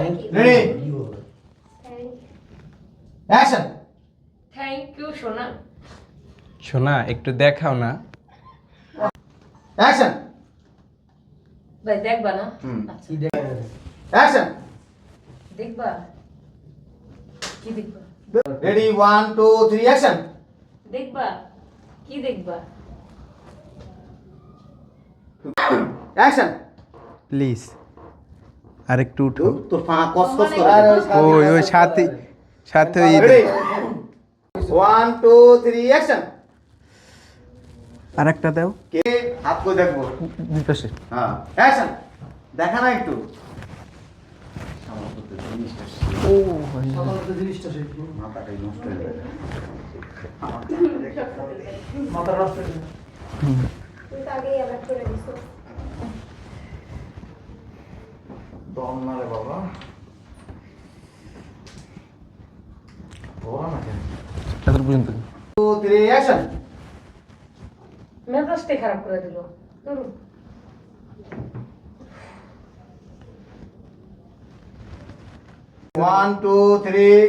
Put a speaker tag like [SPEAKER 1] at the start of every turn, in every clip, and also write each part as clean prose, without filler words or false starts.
[SPEAKER 1] Ready action
[SPEAKER 2] thank you সোনা।
[SPEAKER 3] শোনা একটু দেখাও না।
[SPEAKER 1] অ্যাকশন
[SPEAKER 2] ভাই দেখবা না?
[SPEAKER 1] হুম।
[SPEAKER 2] আচ্ছা
[SPEAKER 1] অ্যাকশন
[SPEAKER 2] দেখবা কি দেখবা?
[SPEAKER 1] রেডি 1 2 3 অ্যাকশন
[SPEAKER 2] দেখবা কি দেখবা?
[SPEAKER 1] অ্যাকশন
[SPEAKER 3] প্লিজ আরেকটু উঠো।
[SPEAKER 1] তো পা কস করে
[SPEAKER 3] ওই ওই সাথে সাথে ওই
[SPEAKER 1] রেডি 1 2 3 অ্যাকশন
[SPEAKER 3] আরেকটা দাও।
[SPEAKER 1] কে হাত কই দেখবো
[SPEAKER 3] দিতেছে।
[SPEAKER 1] হ্যাঁ অ্যাকশন দেখা না একটু
[SPEAKER 3] ও
[SPEAKER 1] মাথাটাই নষ্ট হয়ে যাবে
[SPEAKER 4] তুই তো আগেই অ্যালার্ট করে দিছো।
[SPEAKER 1] দম না রে বাবা বলা না কেন
[SPEAKER 3] এত পর্যন্ত
[SPEAKER 1] 2 3 অ্যাকশন
[SPEAKER 2] মেজাজটাই খারাপ করে দিল। ধরুন
[SPEAKER 1] 1 2 3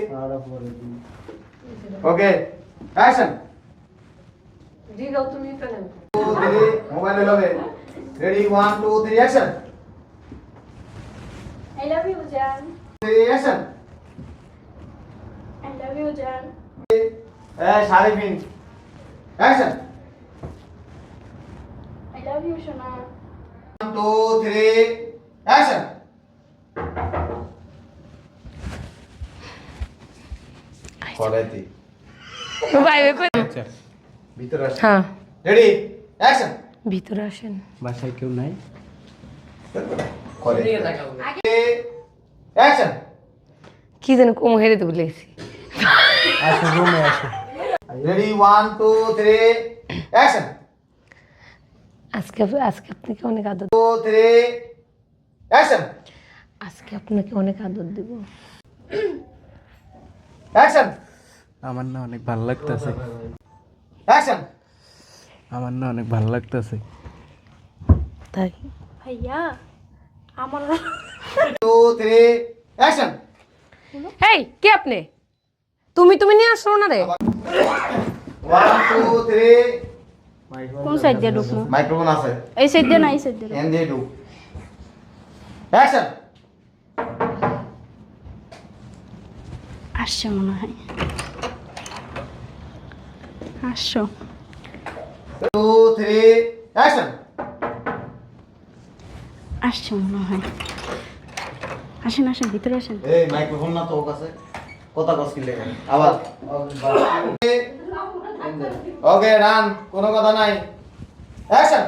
[SPEAKER 1] ওকে অ্যাকশন
[SPEAKER 2] জি দাও তুমি কেন?
[SPEAKER 1] 2 3 মোবাইলে লগে ready 1 2 3 action
[SPEAKER 4] I love you, Jan.
[SPEAKER 1] 3 action
[SPEAKER 4] I love you, Jan.
[SPEAKER 1] Sari pin action
[SPEAKER 4] I love you, Shona.
[SPEAKER 1] 1 2 3 action করাইতি
[SPEAKER 2] ভাই ভাই
[SPEAKER 3] আচ্ছা
[SPEAKER 1] ভিতরে আসেন
[SPEAKER 2] হ্যাঁ
[SPEAKER 1] রেডি অ্যাকশন
[SPEAKER 2] ভিতরে আসেন।
[SPEAKER 3] বাসায় কেউ নাই?
[SPEAKER 1] করে অ্যাকশন
[SPEAKER 2] কি জানি কম হেরে তো বলেছি।
[SPEAKER 3] আসো রুমে আসো।
[SPEAKER 1] রেডি 1 2 3 অ্যাকশন
[SPEAKER 2] আজকে আজকে আপনাকে অনেক আদর
[SPEAKER 1] 2 3 অ্যাকশন
[SPEAKER 2] আজকে আপনাকে অনেক আদর দেব।
[SPEAKER 1] অ্যাকশন
[SPEAKER 3] আমার না অনেক ভালো লাগতেছে।
[SPEAKER 1] অ্যাকশন
[SPEAKER 3] আমার না অনেক ভালো লাগতেছে।
[SPEAKER 2] তাই
[SPEAKER 4] ভাইয়া আমার
[SPEAKER 1] 2 3 অ্যাকশন
[SPEAKER 2] এই কে আপনি? তুমি তুমি নিয়ে আসো না রে।
[SPEAKER 1] 1 2 3
[SPEAKER 4] কোন সাইড দিয়ে ঢুকবো?
[SPEAKER 1] মাইক্রোফোন আছে
[SPEAKER 4] এই সাইড দিয়ে না এই সাইড দিয়ে?
[SPEAKER 1] এন দিয়ে ঢুক অ্যাকশন
[SPEAKER 4] আসছে মনে হয়। আসছো
[SPEAKER 1] 2 3 অ্যাকশন
[SPEAKER 4] আসছে মনে হয়। আসেন আসেন ভিতরে আসেন।
[SPEAKER 1] এই মাইক্রোফোন না তো ওর কাছে কথা কস কি লেগে আবার ওকে রান কোনো কথা নাই অ্যাকশন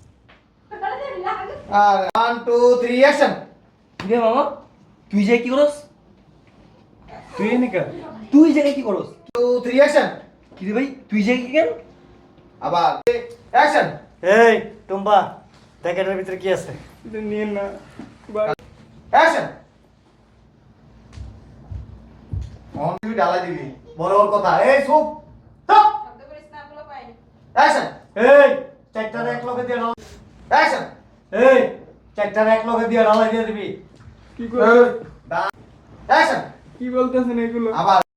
[SPEAKER 1] আর 1 2 3 অ্যাকশন
[SPEAKER 5] রে মামা তুই যে কি করস?
[SPEAKER 3] তুই এনে কেন?
[SPEAKER 5] তুই জায়গায় কি করস?
[SPEAKER 1] 2 3 অ্যাকশন
[SPEAKER 5] কি রে ভাই তুই যে কি কেন?
[SPEAKER 1] আবার অ্যাকশন
[SPEAKER 5] এই টুম্বা দেখ এটার ভিতরে কি আছে?
[SPEAKER 3] নিয়ে না
[SPEAKER 1] অ্যাকশন অন তুই ডালা দিবি বড় বড় কথা এই চুপ চুপ শব্দ করিস না বলো পাই অ্যাকশন
[SPEAKER 5] এই চারটার এক লগে দিয়ে ডাল।
[SPEAKER 1] অ্যাকশন
[SPEAKER 5] এই চারটার এক লগে দিয়ে ডালাই দিয়ে দিবি।
[SPEAKER 3] কি করে?
[SPEAKER 1] অ্যাকশন
[SPEAKER 3] কি বলতেছেন এগুলো?
[SPEAKER 1] আবার